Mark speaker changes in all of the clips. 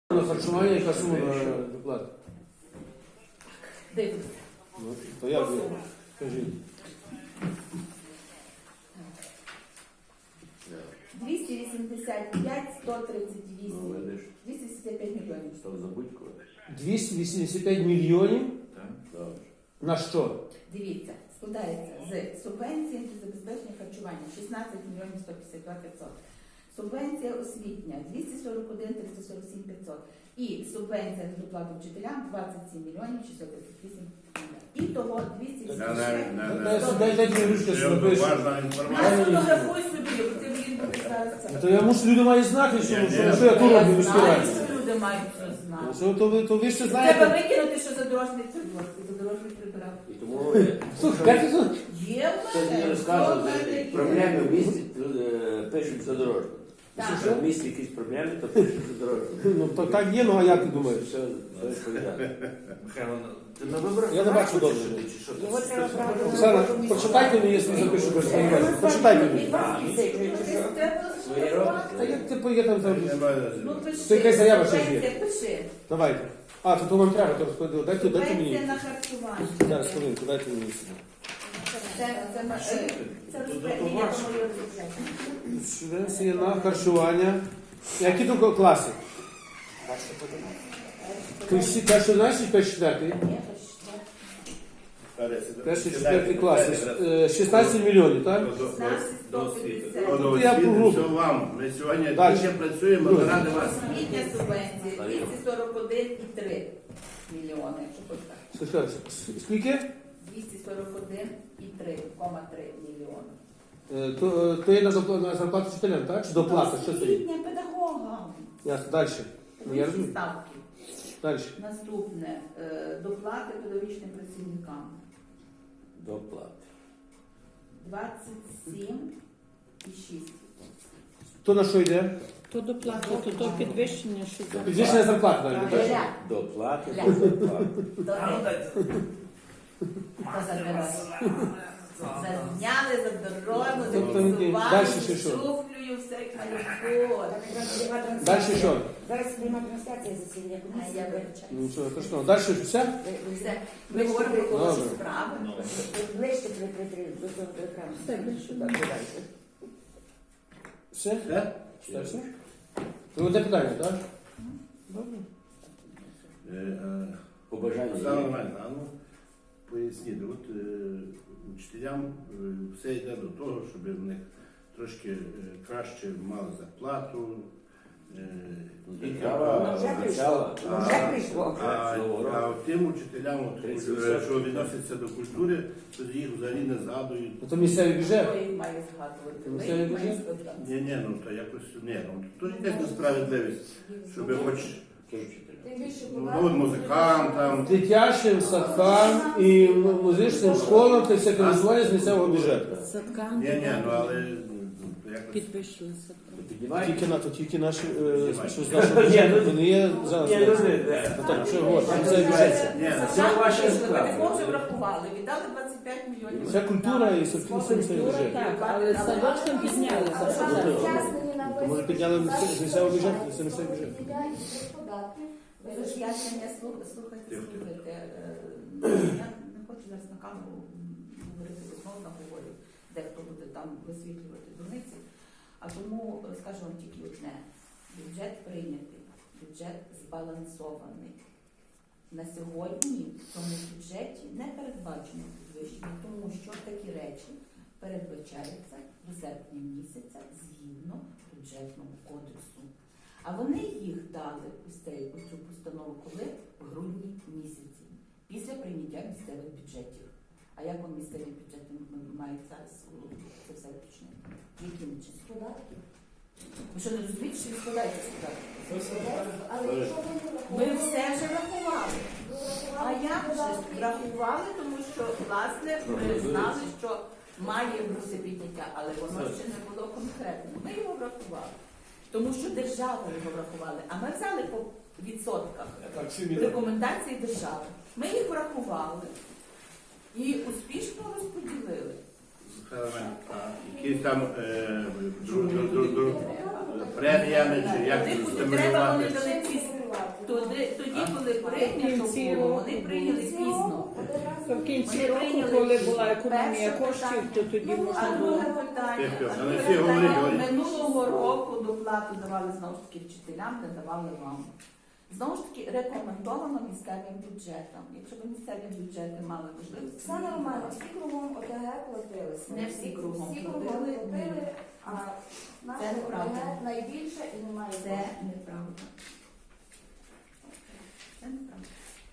Speaker 1: На харчування, яка сума на доплату?
Speaker 2: Дивіться.
Speaker 1: Ну, то як ви? Скажіть.
Speaker 2: 285, 138.
Speaker 3: Ну, видиш,
Speaker 2: 285 мільйонів.
Speaker 3: став забудько.
Speaker 1: 285 мільйонів?
Speaker 3: Так? Добре.
Speaker 1: На що?
Speaker 2: Дивіться, складається з субвенції за забезпечення харчування 16 мільйонів 152 500. Субвенція освітня 241 347 500. І субвенція на доплату вчителям 27 мільйонів 638 500. І того 285.
Speaker 1: Дайте мені ручку, що напишу.
Speaker 3: Важна
Speaker 2: Я
Speaker 3: інформація.
Speaker 2: сфотографуй собі, ти мені буде зараз це.
Speaker 1: То я мушу, люди мають знати, що я тут роблю в міській
Speaker 2: Знаю,
Speaker 1: раді.
Speaker 2: що люди мають це знати.
Speaker 1: Що, то ви ще
Speaker 2: Треба
Speaker 1: знаєте?
Speaker 2: викинути, що задорожний прибирав.
Speaker 3: І тому
Speaker 1: Слухай, як це?
Speaker 2: Є в
Speaker 3: хтось
Speaker 2: мене.
Speaker 3: не розказує, проблеми в місті пишуть задорожно. Якщо в місті якісь проблеми, то пишуть задорожно.
Speaker 1: Ну, то так є, ну а як ти думаєш?
Speaker 3: Все відповідає. Михайло, ти на виборах?
Speaker 1: Я не бачу
Speaker 3: хочеш
Speaker 1: добре.
Speaker 3: сюди, чи що?
Speaker 4: Його треба брати.
Speaker 1: Оксана, прочитайте мені, якщо запишу без сподівання. Прочитайте мені.
Speaker 3: Свої робите?
Speaker 1: Та як ти є там?
Speaker 2: Ну, пиши.
Speaker 1: Це якась заява ще є.
Speaker 2: Субвенція, пиши.
Speaker 1: Давайте. А, то вам треба, то розповідати. Дайте мені.
Speaker 2: Субвенція на харчування.
Speaker 1: Зараз, хвилинку, дайте мені сюди.
Speaker 2: Це розпорядження по моєму бюджету.
Speaker 1: Субвенція на харчування. Які то класи? Перший, знаєш, перший, четвертий?
Speaker 2: Ні,
Speaker 1: Перший, четвертий класи. 16 мільйонів, так?
Speaker 2: 16, 150.
Speaker 1: Я по групі.
Speaker 3: Все вам. Ми сьогодні
Speaker 1: Далі.
Speaker 3: дуже працюємо, ми раді вас.
Speaker 2: Освітня субвенція 241,3 мільйони, якщо хоч так.
Speaker 1: Слухайте, скільки?
Speaker 2: 241,3 мільйони.
Speaker 1: То є на зарплату вчителям, так? Чи доплата? Що це є?
Speaker 2: Освітня педагогам.
Speaker 1: Ясно, далі. Я
Speaker 2: Вищі
Speaker 1: розумію.
Speaker 2: ставки.
Speaker 1: Далі.
Speaker 2: Наступне. Доплати педагогічним працівникам.
Speaker 3: Доплати.
Speaker 2: 27,6.
Speaker 1: То на що йде?
Speaker 4: То доплата, то підвищення, що за
Speaker 1: Підвищення зарплати далі. так?
Speaker 2: Ля.
Speaker 3: Доплати,
Speaker 2: Ля.
Speaker 3: доплати.
Speaker 2: Зазняли за дорогу,
Speaker 1: Тобто,
Speaker 2: зафіксували,
Speaker 1: далі ще що?
Speaker 2: шуфлею, все як має бути.
Speaker 1: Далі що?
Speaker 4: Зараз пряма трансляція засідання
Speaker 2: А я
Speaker 4: комісії.
Speaker 2: вибачаю.
Speaker 1: Ну що, то що? Далі все?
Speaker 2: Все. Ми говоримо про хороші
Speaker 1: Добре.
Speaker 2: справи.
Speaker 4: Ближче до цього до екрану. Так, дальше.
Speaker 1: Все?
Speaker 3: Все?
Speaker 1: Все? Все? То одне питання, так? Добре.
Speaker 3: Побажання
Speaker 1: Е,
Speaker 3: є? Ну, поясніть, от учителям все йде до того, щоб в них трошки краще мали зарплату.
Speaker 4: Ну, вже прийшло. Вже прийшло.
Speaker 3: А тим учителям, от,
Speaker 1: 30%.
Speaker 3: що відносяться до культури, то їх взагалі не згадують.
Speaker 1: Ну, то місцевий бюджет.
Speaker 2: Хто їх має згадувати?
Speaker 1: Ну,
Speaker 2: Ми
Speaker 1: це
Speaker 2: їх
Speaker 1: дуже-
Speaker 2: маємо згадати.
Speaker 3: Ні, ну то якось то ж якась несправедливість, щоб хоч от музикантам.
Speaker 1: Дитячим садкам і музичним школам це все фінансування з місцевого бюджету.
Speaker 4: Садка
Speaker 3: Ні, ну але якось.
Speaker 4: підвищили садка.
Speaker 1: Тільки наші, що з нашого бюджету, вони є зараз. Ну, так, що говорити, місцевий бюджет.
Speaker 3: Ні,
Speaker 2: Це
Speaker 3: ваше
Speaker 2: Ми вже врахували, віддали 25 мільйонів.
Speaker 1: Вся культура і садки це місцевий бюджет.
Speaker 4: Так, але садочком підняли.
Speaker 1: То може підняли з місцевого бюджету, це місцевий бюджет.
Speaker 2: Роз'яснення, слухайте. Я не хочу зараз на камеру говорити, знову наговорю, де хто буде там висвітлювати дурниці. А тому скажу вам тільки одне. Бюджет прийнятий, бюджет збалансований. На сьогодні в цьому бюджеті не передбачено підвищення, тому що такі речі передбачаються до серпня місяця згідно бюджетного кодексу. А вони їх дали ось цю постанову коли? В грудні місяці, після прийняття місцевих бюджетів. А як вам місцеві бюджети мають зараз це все уточнити? Яким чином? Податки? Ви що, не розумієте, що ви складаєте податки? Ми все вже врахували. А як же врахували, тому що, власне, ми знали, що має бути підняття, але воно ще не було конкретно. Ми його врахували. Тому що держава його врахували, а ми взяли по відсотках рекомендацій держави. Ми їх врахували і успішно розподілили.
Speaker 3: Якісь там преміями чи як
Speaker 2: Типу не треба, вони
Speaker 3: стимулювати.
Speaker 2: дали ці прийнято було, вони прийняли пізно.
Speaker 4: То в кінці
Speaker 2: Вони
Speaker 4: року,
Speaker 2: прийняли
Speaker 4: коли
Speaker 2: пізно.
Speaker 4: була економія
Speaker 2: Перше
Speaker 4: коштів,
Speaker 2: питання.
Speaker 4: то тоді
Speaker 2: А
Speaker 4: можна
Speaker 2: друге
Speaker 4: було.
Speaker 2: питання,
Speaker 3: Тихо,
Speaker 2: а
Speaker 3: але
Speaker 2: друге
Speaker 3: всі говорять,
Speaker 2: питання,
Speaker 3: говорять.
Speaker 2: минулого року доплату давали знову ж таки вчителям, не давали вам. Знову ж таки, рекомендовано місцевим бюджетам. Якщо б місцеві бюджети мали можливість,
Speaker 5: Все нормально, всі кругом ОТГ платилися.
Speaker 2: Не всі кругом
Speaker 5: Всі кругом
Speaker 2: платили,
Speaker 5: платили, а
Speaker 2: Це
Speaker 5: наше
Speaker 2: неправда.
Speaker 5: ОТГ найбільше і немає.
Speaker 2: це неправда. Це неправда.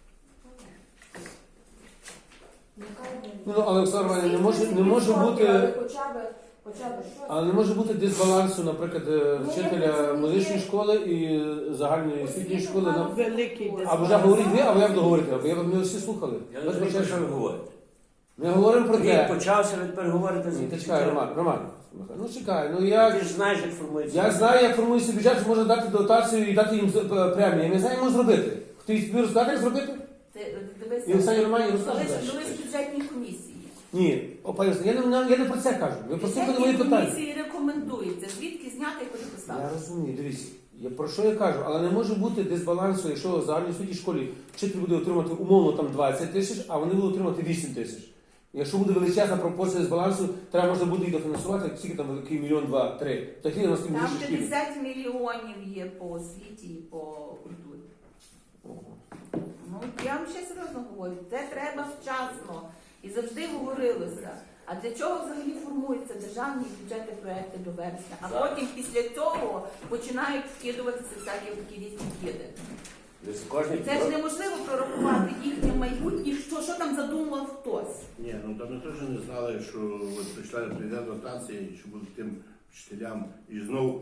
Speaker 1: Ну, але Оксана Романівна, не може бути.
Speaker 5: Хоча б щось.
Speaker 1: Але не може бути дисбалансу, наприклад, вчителя музичної школи і загальної освітньої школи.
Speaker 4: Великий
Speaker 1: Або вже говоріть ви, або я буду говорити, або ми всі слухали.
Speaker 6: Я не розумію, що ви говорите.
Speaker 1: Ми говоримо про
Speaker 6: Він
Speaker 1: те.
Speaker 6: почався, ви тепер говорите за
Speaker 1: Ні, ти чекай, Роман. Ну чекай, ну я.
Speaker 6: Ти ж знаєш, як формується.
Speaker 1: Я знаю, як формується бюджет, що можна дати дотацію і дати їм премію. Я не знаю, як можна зробити. Хтось тобі розкаже, як зробити?
Speaker 2: Ти
Speaker 1: І
Speaker 2: дивися,
Speaker 1: Оксані Романівні
Speaker 2: коли
Speaker 1: розкаже.
Speaker 2: ж бюджетні комісії.
Speaker 1: Ні, пані Оксано, я не про це кажу. Ви послухали мої
Speaker 2: Бюджетні
Speaker 1: питання.
Speaker 2: комісії рекомендуються, звідки зняти і куди
Speaker 1: Я
Speaker 2: поставити.
Speaker 1: розумію, дивіться. Про що я кажу? Але не може бути дисбалансу, якщо в загальній освітній школі вчитель буде отримати умовно там 20 тисяч, а вони будуть отримати 8 тисяч. Якщо буде величезна пропорція дисбалансу, треба можна буде і дофінансувати, скільки там великий мільйон, 2, 3. Такі у нас
Speaker 2: Там
Speaker 1: більше шкіл.
Speaker 2: 50 мільйонів є по освіті і по культурі. Ну, я вам ще серйозно говорю, це треба вчасно. І завжди говорилося. А для чого взагалі формуються державні бюджети проекти до вересня? А потім після цього починають вкидуватися всякі такі різні киди.
Speaker 6: Кожний
Speaker 2: Це ж неможливо прорахувати їхнє майбутнє, що там задумав хтось.
Speaker 3: Ні, ну там ми теж не знали, що от прийде дотація, і що буде тим вчителям і знову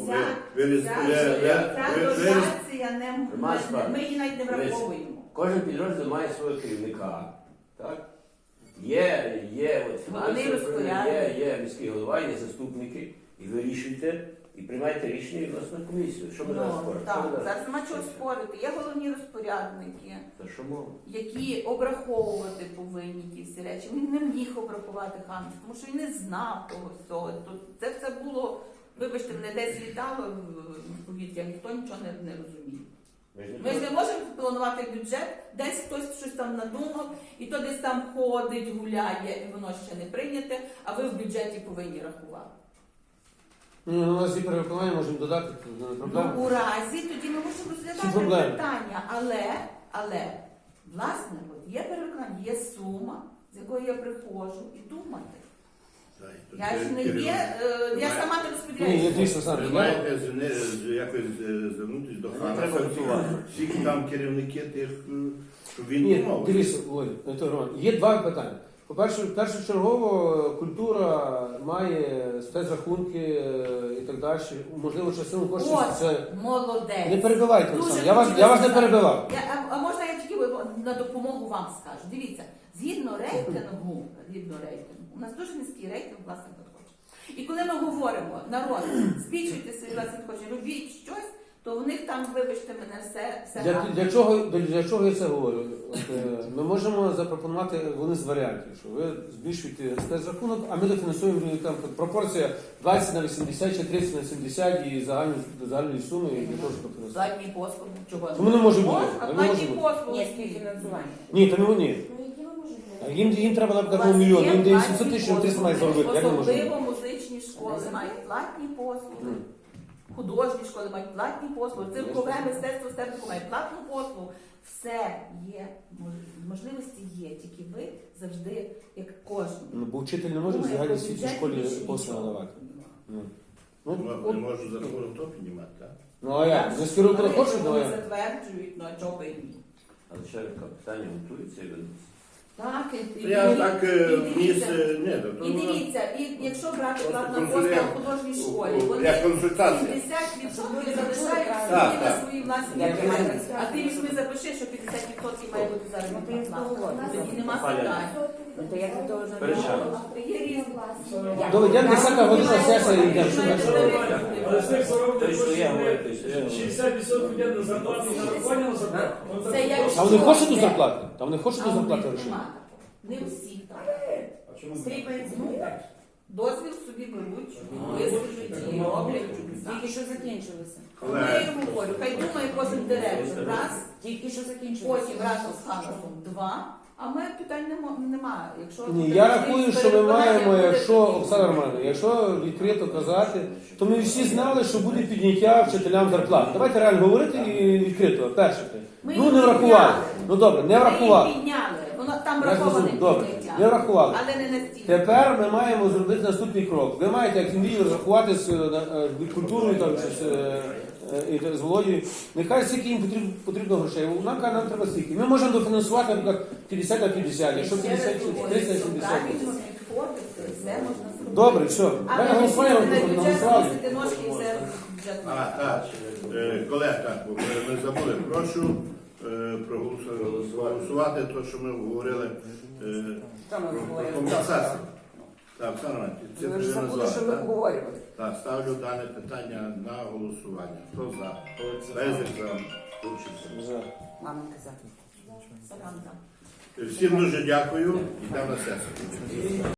Speaker 2: Ця дотація ми її навіть не враховуємо.
Speaker 6: Кожен підрозділ має свого керівника. Так? Є от фінансове управління, є міський голова, є заступники. І ви рішуєте, і приймаєте рішення відносно комісію. Що ми зараз споримо?
Speaker 2: Так, зараз нема чого спорити. Є головні розпорядники,
Speaker 6: Та що мова?
Speaker 2: які обраховувати повинні ті всі речі. Він не міг обрахувати Хамс, тому що він не знав того всього. Це все було, вибачте, мене десь літало в повітря, ніхто нічого не розуміє. Ми ж не можемо планувати бюджет, десь хтось щось там надумав, і то десь там ходить, гуляє, і воно ще не прийняте, а ви в бюджеті повинні рахувати.
Speaker 1: Ну, у нас є перевиконання, можемо додати, це не проблема.
Speaker 2: Ну, у разі тоді ми можемо
Speaker 1: Всі
Speaker 2: розглядати
Speaker 1: проблеми.
Speaker 2: питання, але, власне, от є переконання, є сума, з якою я приходжу і думати. Я ж не є, я сама не
Speaker 1: Ні,
Speaker 2: розподіляю.
Speaker 1: я дійсно сам.
Speaker 3: Ви маєте якось звернутися до
Speaker 6: Треба готувати.
Speaker 3: всіх там керівники тих, щоб він
Speaker 1: Ні,
Speaker 3: думав.
Speaker 1: дивіться, Роман, є два питання. По-перше, першочергово культура має спецрахунки і так далі. Можливо, частину коштів
Speaker 2: От,
Speaker 1: це...
Speaker 2: молодець.
Speaker 1: Не перебивайте,
Speaker 2: Дуже
Speaker 1: Олександр. Я вас не
Speaker 2: хотілося
Speaker 1: перебивав.
Speaker 2: А можна я тільки на допомогу вам скажу? Дивіться, згідно рейтингу, у нас дуже низький рейтинг власних надходжень. І коли ми говоримо, народ, збільшуйте свої власні надходження, робіть щось, то в них там, вибачте мене, все гарно.
Speaker 1: Для чого я це говорю? Ми можемо запропонувати один з варіантів, що ви збільшуєте спецрахунок, а ми дофінансуємо там пропорція 20 на 80 чи 30 на 70 і загальної суми, і для того, щоб дофінансувати.
Speaker 2: Платні послуги, чого?
Speaker 1: Тому не може бути.
Speaker 2: Можна,
Speaker 1: Не
Speaker 2: платні
Speaker 1: може бути.
Speaker 2: послуги.
Speaker 4: Ні, співфінансування.
Speaker 1: Ні, то не ні.
Speaker 5: Ну, які ви можете?
Speaker 1: Їм треба
Speaker 2: У
Speaker 1: наприклад
Speaker 2: вас
Speaker 1: мільйон,
Speaker 2: є
Speaker 1: їм дає
Speaker 2: платні
Speaker 1: 700 тисяч, 300 мають
Speaker 2: послуги.
Speaker 1: заробити. Як не може бути?
Speaker 2: Особливо музичні школи мають платні послуги. Художні школи мають платні послуги, циркове мистецтво степнику має платну послугу. Все є, можливості є, тільки ви завжди, як кожен.
Speaker 1: Ну, бо вчитель не може в загальній освітній школі послуги надавати.
Speaker 3: Не можу за рахунок то піднімати, так?
Speaker 1: Ну а як? Не скерую куди хочуть, ну а
Speaker 2: Вони
Speaker 1: як?
Speaker 2: затверджують, ну а чого би і ні.
Speaker 6: Але ще питання готується і ведеться.
Speaker 2: Так,
Speaker 3: Я так вніс,
Speaker 2: і дивіться, і якщо брати
Speaker 3: Просто
Speaker 2: платну
Speaker 3: консультант.
Speaker 2: послугу в художній школі, вони
Speaker 3: Як консультація.
Speaker 2: 50% залишають
Speaker 3: Так,
Speaker 2: собі на
Speaker 3: так.
Speaker 2: свої власні
Speaker 4: Як
Speaker 2: бюджети.
Speaker 4: мають.
Speaker 2: А ти візьми запиши, що 50% має бути заробітна плата. Тоді нема
Speaker 6: Паля.
Speaker 2: питань.
Speaker 4: Ну, то я за того
Speaker 6: Перечаємо.
Speaker 2: Є різні.
Speaker 1: Добре, йдемо 10 година сесія і йдемо. Що далі?
Speaker 7: Але з тих 40
Speaker 6: Той, що я говорю, той, що я говорю.
Speaker 7: 60% йде на зарплату і нарахування на зарплату.
Speaker 2: Це як
Speaker 1: А вони хочуть до зарплати? Та вони хочуть до зарплати грошей?
Speaker 2: Не всі так.
Speaker 7: А чому?
Speaker 2: Ну, Дозвіл собі беруть, висвітлюють і роблять чудеса.
Speaker 4: Тільки що закінчилося.
Speaker 2: Ну, я йому говорю, хай думає кожен директор раз,
Speaker 4: Тільки що закінчилося.
Speaker 2: потім разом з Ханасом два, а ми питань немає. Якщо
Speaker 1: Ні, я рахую, що ми маємо, якщо, Оксана Романівна, якщо відкрито казати, то ми всі знали, що буде підняття вчителям зарплат. Давайте реально говорити і відкрито, перше. Ну не врахували. Ну добре, не врахували.
Speaker 2: Ми їх підняли, воно там
Speaker 1: Я
Speaker 2: враховане
Speaker 1: зрозумів, добре,
Speaker 2: підняття.
Speaker 1: не врахували.
Speaker 2: Але не настільки.
Speaker 1: Тепер ми маємо зробити наступний крок. Ви маєте, як він розрахувати з культурою там, чи з Володією. Нехай скільки їм потрібно грошей. Вона каже, нам треба стільки. Ми можемо дофінансувати, наприклад, 50 на 50, якщо 50, 30 на 70.
Speaker 2: Правильно підходити, все можна зробити.
Speaker 1: Добре, все.
Speaker 2: А
Speaker 1: Давай
Speaker 2: не
Speaker 1: голосуємо,
Speaker 2: на бюджет
Speaker 1: голосували.
Speaker 2: носити ножки і все бюджет.
Speaker 3: Так. Колеги, так, бо ми забули. Прошу проголосувати те, що ми говорили
Speaker 4: Що ми
Speaker 3: про
Speaker 4: говорили?
Speaker 3: компенсацію. Так, Оксана Романівна, це
Speaker 4: Ви ж забули,
Speaker 3: назвали,
Speaker 4: що ми
Speaker 3: так?
Speaker 4: обговорювали.
Speaker 3: Так, ставлю дане питання на голосування. Хто за? Безик за.
Speaker 1: За.
Speaker 4: Маменька за.
Speaker 2: Саранка.
Speaker 3: Всім дуже дякую. Йдемо на сесію.